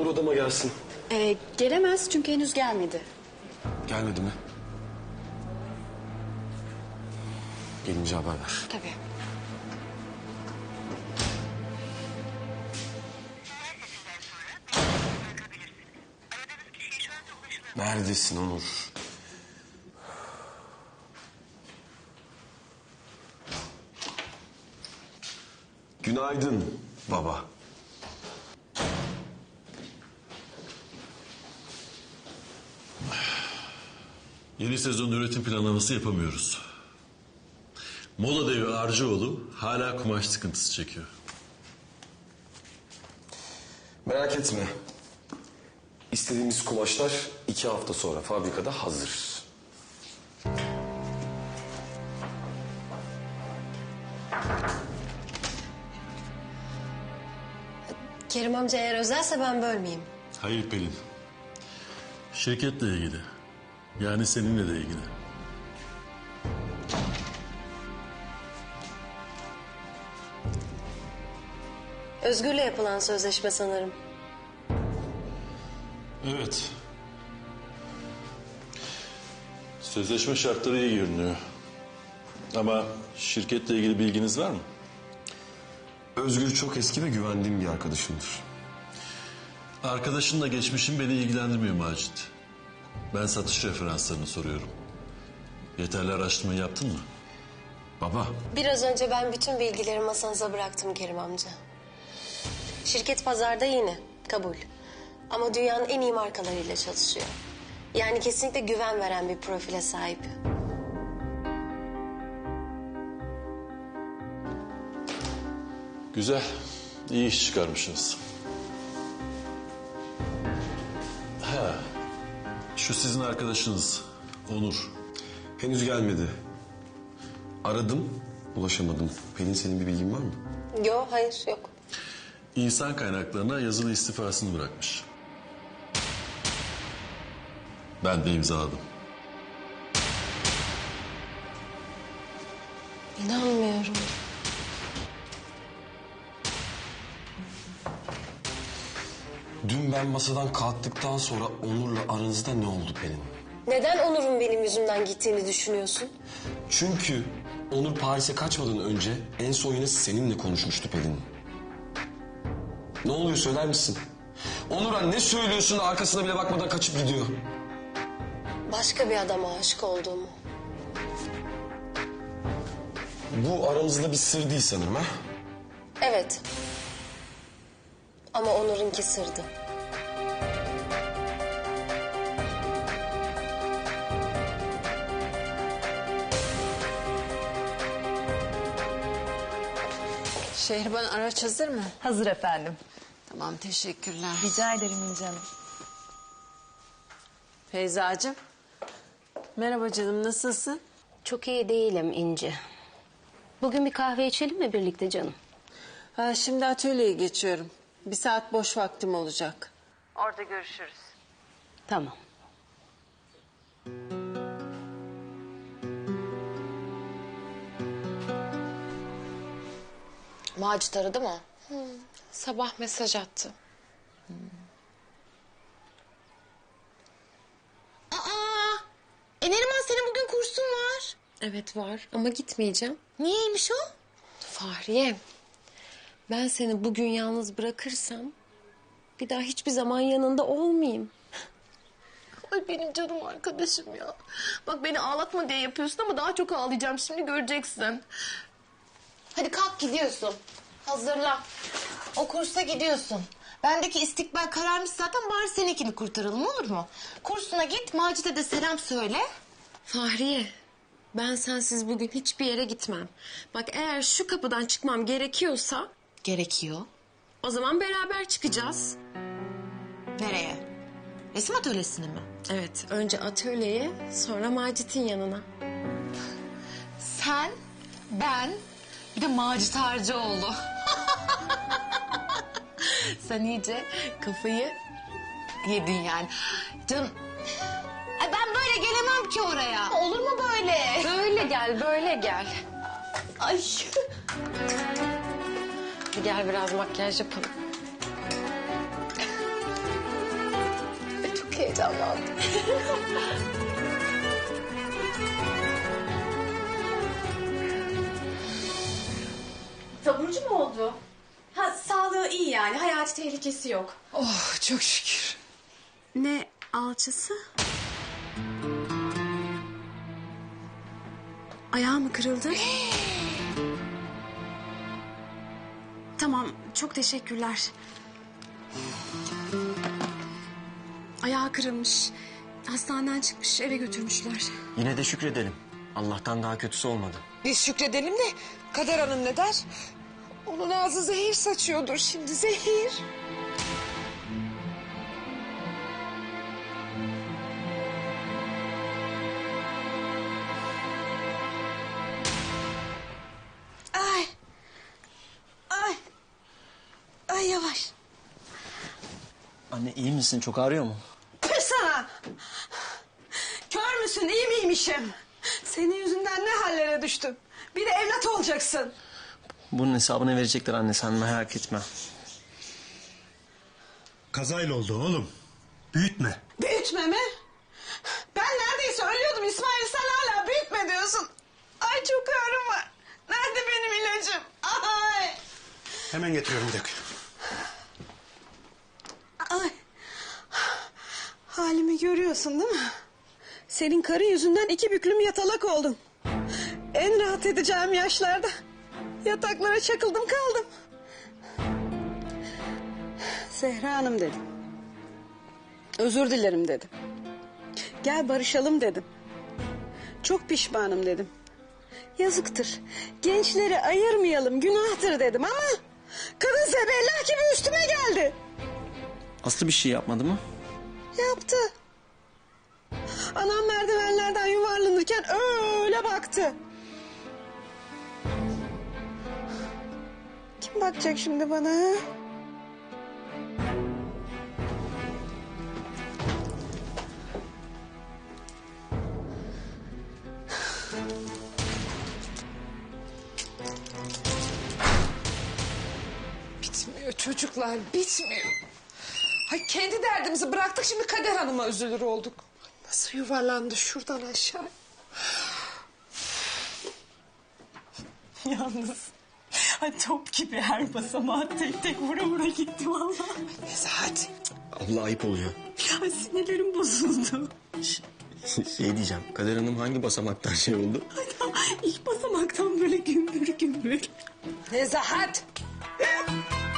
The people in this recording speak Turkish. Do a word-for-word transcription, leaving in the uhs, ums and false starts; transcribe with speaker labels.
Speaker 1: Onur odama gelsin.
Speaker 2: Ee, gelemez çünkü henüz gelmedi.
Speaker 1: Gelmedi mi? Gelince haber ver.
Speaker 2: Tabii.
Speaker 1: Neredesin Onur? Günaydın baba.
Speaker 3: Yeni sezon üretim planlaması yapamıyoruz. Moda devi Arcıoğlu hala kumaş sıkıntısı çekiyor.
Speaker 1: Merak etme. İstediğimiz kumaşlar iki hafta sonra fabrikada hazır.
Speaker 4: Kerim amca eğer özelse ben bölmeyeyim.
Speaker 3: Hayır Pelin. Şirketle ilgili. Yani seninle de ilgili.
Speaker 4: Özgür'le yapılan sözleşme sanırım.
Speaker 3: Evet. Sözleşme şartları iyi görünüyor. Ama şirketle ilgili bilginiz var mı?
Speaker 1: Özgür çok eski ve güvendiğim bir arkadaşımdır.
Speaker 3: Arkadaşınla geçmişin beni ilgilendirmiyor Macit. Ben satış referanslarını soruyorum. Yeterli araştırma yaptın mı?
Speaker 1: Baba.
Speaker 4: Biraz önce ben bütün bilgileri masanıza bıraktım Kerim amca. Şirket pazarda yeni, kabul. Ama dünyanın en iyi markalarıyla çalışıyor. Yani kesinlikle güven veren bir profile sahip.
Speaker 3: Güzel. İyi iş çıkarmışsınız. Ha, şu sizin arkadaşınız Onur.
Speaker 1: Henüz gelmedi. Aradım, ulaşamadım. Pelin, senin bir bilgin var mı?
Speaker 4: Yok, hayır, yok.
Speaker 3: İnsan kaynaklarına yazılı istifasını bırakmış. Ben de imzaladım.
Speaker 4: İnanmıyorum.
Speaker 1: Dün ben masadan kalktıktan sonra Onur'la aranızda ne oldu Pelin?
Speaker 4: Neden Onur'un benim yüzümden gittiğini düşünüyorsun?
Speaker 1: Çünkü Onur Paris'e kaçmadan önce en son yine seninle konuşmuştu Pelin. Ne oluyor, söyler misin? Onur'a ne söylüyorsun da arkasına bile bakmadan kaçıp gidiyor?
Speaker 4: Başka bir adama aşık olduğumu.
Speaker 1: Bu aramızda bir sır değil sanırım ha?
Speaker 4: Evet. Ama Onur'unki sırdı.
Speaker 5: Şehriban, araç hazır mı?
Speaker 6: Hazır efendim.
Speaker 5: Tamam, teşekkürler.
Speaker 6: Rica ederim İnci Hanım.
Speaker 5: Feyzacığım. Merhaba canım, nasılsın?
Speaker 7: Çok iyi değilim İnci. Bugün bir kahve içelim mi birlikte canım?
Speaker 5: Ha, şimdi atölyeye geçiyorum. Bir saat boş vaktim olacak.
Speaker 6: Orada görüşürüz.
Speaker 7: Tamam.
Speaker 8: Macit aradı mı? Hmm. Sabah mesaj attı. Hmm. Aa! E Neriman, senin bugün kursun var. Evet var ama gitmeyeceğim. Niyeymiş o? Fahriye, ben seni bugün yalnız bırakırsam bir daha hiçbir zaman yanında olmayayım.
Speaker 9: Ay benim canım arkadaşım ya. Bak, beni ağlatma diye yapıyorsun ama daha çok ağlayacağım, şimdi göreceksin.
Speaker 8: Hadi kalk, gidiyorsun. Hazırlan. O kursa gidiyorsun. Bendeki istikbal kararmış zaten, bari seninkini kurtaralım, olur mu? Kursuna git, Macit'e de selam söyle. Fahriye, ben sensiz bugün hiçbir yere gitmem. Bak, eğer şu kapıdan çıkmam gerekiyorsa... Gerekiyor. O zaman beraber çıkacağız. Nereye? Resim atölyesine mi? Evet, önce atölyeye, sonra Macit'in yanına. Sen, ben, bir de Macit Harcıoğlu. Sen iyice kafayı yedin yani. Canım, ay ben böyle gelemem ki oraya. Olur mu böyle?
Speaker 7: Böyle gel, böyle gel.
Speaker 8: Ay.
Speaker 7: Gel biraz makyaj yapalım.
Speaker 9: heyecanlandım.
Speaker 2: Taburcu mu oldu? Ha, sağlığı iyi yani. Hayati tehlikesi yok.
Speaker 10: Oh çok şükür.
Speaker 2: Ne alçısı? Ayağı mı kırıldı? Tamam, çok teşekkürler. Ayağı kırılmış. Hastaneden çıkmış, eve götürmüşler.
Speaker 11: Yine de şükredelim. Allah'tan daha kötüsü olmadı.
Speaker 10: Biz şükredelim de Kader Hanım ne der? Onun ağzı zehir saçıyordur şimdi zehir. Ay. Ay. Ay yavaş.
Speaker 11: Anne iyi misin? Çok ağrıyor mu?
Speaker 10: Pır sana. Kör müsün iyi miymişim? Senin yüzünden ne hallere düştüm. Bir de evlat olacaksın.
Speaker 11: Bunun hesabını verecekler anne, sen merak etme.
Speaker 12: Kazayla oldu oğlum. Büyütme.
Speaker 10: Büyütme mi? Ben neredeyse ölüyordum İsmail, sen hala büyütme diyorsun. Ay çok ağrım var. Nerede benim ilacım? Ay.
Speaker 12: Hemen getiriyorum bir dakika.
Speaker 10: Ay. Halimi görüyorsun değil mi? Senin karı yüzünden iki büklüm yatalak oldum. En rahat edeceğim yaşlarda yataklara çakıldım kaldım. Zehra Hanım dedim. Özür dilerim dedim. Gel barışalım dedim. Çok pişmanım dedim. Yazıktır. Gençleri ayırmayalım, günahtır dedim ama kadın zebellah gibi üstüme geldi.
Speaker 11: Aslı bir şey yapmadı mı?
Speaker 10: Yaptı. Anam merdivenlerden yuvarlanırken öyle baktı. Kim bakacak şimdi bana? Ha?
Speaker 13: Bitmiyor çocuklar, bitmiyor. Ay kendi derdimizi bıraktık, şimdi Kader Hanım'a üzülür olduk. Nasıl yuvarlandı şuradan aşağı.
Speaker 10: Yalnız ay top gibi her basamağa tek tek vura vura gitti vallahi.
Speaker 13: Neyse hadi.
Speaker 11: Abla ayıp oluyor.
Speaker 10: Ay sinirlerim bozuldu.
Speaker 11: Şey diyeceğim, Kader Hanım hangi basamaktan şey oldu?
Speaker 10: İlk basamaktan böyle gümbür gümbür.
Speaker 13: Nezahat.